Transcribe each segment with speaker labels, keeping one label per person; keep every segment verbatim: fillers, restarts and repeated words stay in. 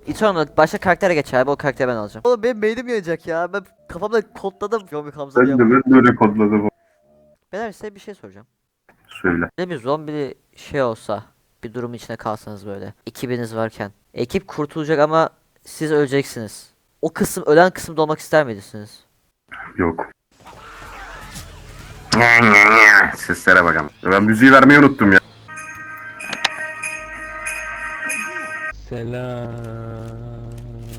Speaker 1: Eternal başka karaktere geç abi, o karakteri ben alacağım. Oğlum benim beynim yanacak ya. Ben kafamda kodladım zombi Hamza diye.
Speaker 2: Ben de ben böyle kodladım.
Speaker 1: Beyler size bir şey soracağım.
Speaker 2: Söyle.
Speaker 1: Ne bir zombi şey olsa, bir durumun içine kalsanız böyle. Ekibiniz varken. Ekip kurtulacak ama siz öleceksiniz. O kısım, ölen kısımda olmak ister miydiniz?
Speaker 2: Yok. Seslere bakalım. Ben müziği vermeyi unuttum ya.
Speaker 3: Selam.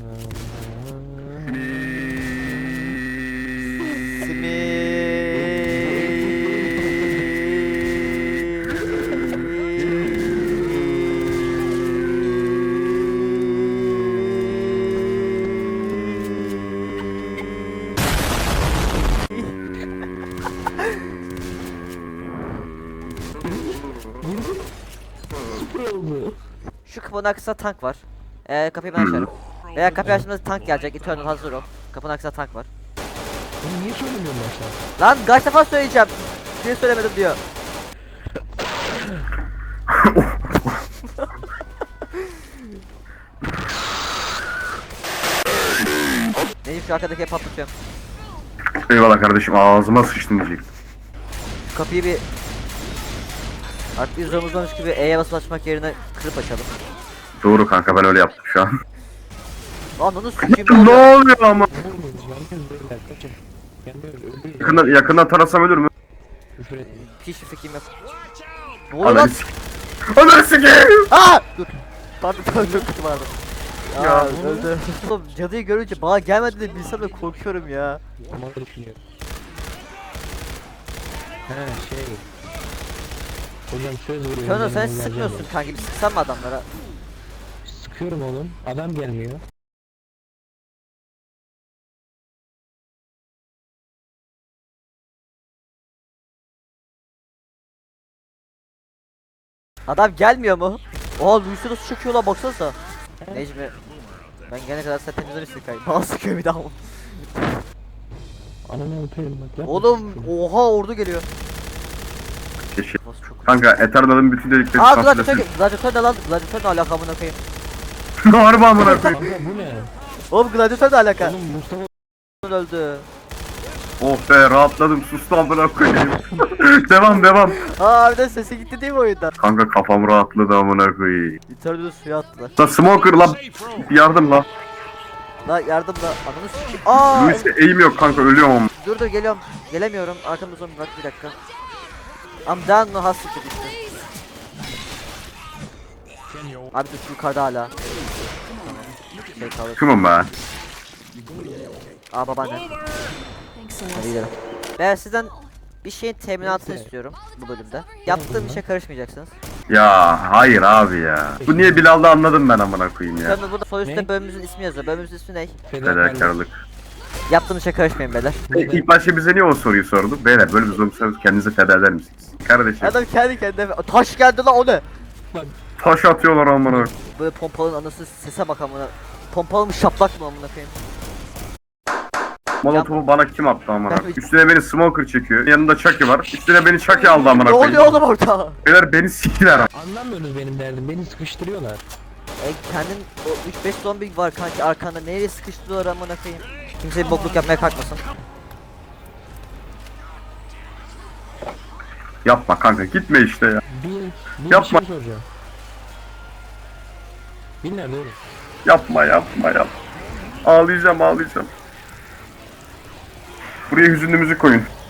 Speaker 3: Süper oldu.
Speaker 1: Şu kapının arkasında tank var. Ee, kapıyı ben açarım. Veya kapıyı açtığımızda tank gelecek. Eternal hazır ol. Kapının arkasında tank var.
Speaker 3: Bunu niye söylemiyorsun başta?
Speaker 1: Lan kaç defa söyleyeceğim. Niye söylemedim diyor. Necip şu arkadaki patlatıyorum.
Speaker 2: Eyvallah kardeşim, ağzıma sıçtın diyecek.
Speaker 1: Şu kapıyı bir... Artık bir zorumuzdanmış gibi E'ye basıp açmak yerine kırıp açalım.
Speaker 2: Doğru kanka, ben öyle yaptım şu an.
Speaker 1: Lan onu sikeyim
Speaker 2: Ne
Speaker 1: ne oluyor?
Speaker 2: oluyor ama?
Speaker 3: Yanmıyoruz, yanmıyoruz beyler, kaçın. Yanmıyoruz, ölürüz.
Speaker 2: Yakından, yakından tarasam ölür mü?
Speaker 3: Küfür etmeyin.
Speaker 1: Hiçbir fikrim yok. Ne oluyor lan?
Speaker 2: Ananı sik. Ananı sikeyim.
Speaker 1: Aa! Dur. Pardon pardon çok kötü vardı. Ya,
Speaker 2: Ya,
Speaker 1: öldü. Oğlum cadıyı görünce bana gelmedi de bilsem de korkuyorum ya.
Speaker 3: Ama da düşünüyorum. He şey. Hocam söz veriyorum.
Speaker 1: Körno
Speaker 3: ben
Speaker 1: sen
Speaker 3: geleceğim
Speaker 1: sıkmıyorsun
Speaker 3: ya.
Speaker 1: kanki, bir sıksan mı adamlara?
Speaker 3: Sıkıyorum oğlum. Adam gelmiyor.
Speaker 1: Adam gelmiyor mu? Oha Luis'u nasıl çekiyor lan, baksanıza. Necmi. Ben gelene kadar sen temizlemişsin kanki. Bana sıkıyor bir daha.
Speaker 3: Ananı öperim bak. yapma
Speaker 1: Oğlum
Speaker 3: şunu.
Speaker 1: oha ordu geliyor.
Speaker 2: Keşke.
Speaker 1: Nasıl çok...
Speaker 2: Kanka Eternal'ın bütün delikleri
Speaker 1: Aa gladyatör,
Speaker 2: sansürlesin.
Speaker 1: gladyatör ne lan? Gladyatör ne alaka amına koyayım?
Speaker 2: Harbi amına koyayım.
Speaker 3: Kanka bu ne?
Speaker 1: Oğlum gladyatör ne alaka?
Speaker 3: Oğlum Mustafa
Speaker 1: Öldü.
Speaker 2: Oh be, rahatladım, sustum amına koyayım. Devam devam.
Speaker 1: Aa bir de sesi gitti değil mi oyundan?
Speaker 2: Kanka kafam rahatladı amına koyayım.
Speaker 1: Eternal'ı suya attılar.
Speaker 2: La smoker lan, yardım la.
Speaker 1: La yardım la, ananı sikeyim. Aa!
Speaker 2: Luis'e eğim yok kanka, ölüyorum ama.
Speaker 1: Dur dur geliyorum. Gelemiyorum. Arkamda zombi var, bir dakika. I'm down no hustle işte. Abi dur şu yukarıda hala. Şey kalır.
Speaker 2: Şunum be.
Speaker 1: Aa babaanne. Hadi gidelim. Ben sizden bir şeyin teminatını istiyorum bu bölümde. Yaptığım işe karışmayacaksınız.
Speaker 2: Ya hayır abi ya. Bu niye Bilal'da anladım ben amına koyayım ya.
Speaker 1: Sonra burada sol üstte
Speaker 3: Ne?
Speaker 1: bölümümüzün ismi yazıyor. Bölümümüzün ismi ne?
Speaker 2: Fedakarlık.
Speaker 1: Yaptığım işe karışmayın beyler.
Speaker 2: E, İlk başta bize niye o soruyu sordu? Beyler böyle bir zombi sorarız, kendinizi feda eder misiniz? Kardeşim.
Speaker 1: Adam kendi kendine taş geldi lan, o ne?
Speaker 2: Taş atıyorlar amına.
Speaker 1: Böyle pompalının anası sese bak amına. Pompalı mı şaplak mı amına koyayım?
Speaker 2: Molotofu bana kim attı amına?
Speaker 1: Ben-
Speaker 2: Üstüne beni smoker çekiyor. Yanında Chucky var. Üstüne beni Chucky aldı amına
Speaker 1: Ne
Speaker 2: koyayım.
Speaker 1: oluyor oğlum orada?
Speaker 2: Beyler beni siktiler.
Speaker 3: Anlamıyorsunuz benim derdim. Beni sıkıştırıyorlar.
Speaker 1: E kendin o üç beş zombi var kanki arkanda, nereye sıkıştırıyorlar amına koyayım? Kimse bir bokluk yapmaya kalkmasın.
Speaker 2: Yapma kanka, gitme işte ya.
Speaker 3: Bir, bir
Speaker 2: Yapma.
Speaker 3: şey soracağım. Bir nerede oğlum?
Speaker 2: Yapma yapma yapma. Ağlayacağım ağlayacağım. Buraya hüzünlü müzik koyun.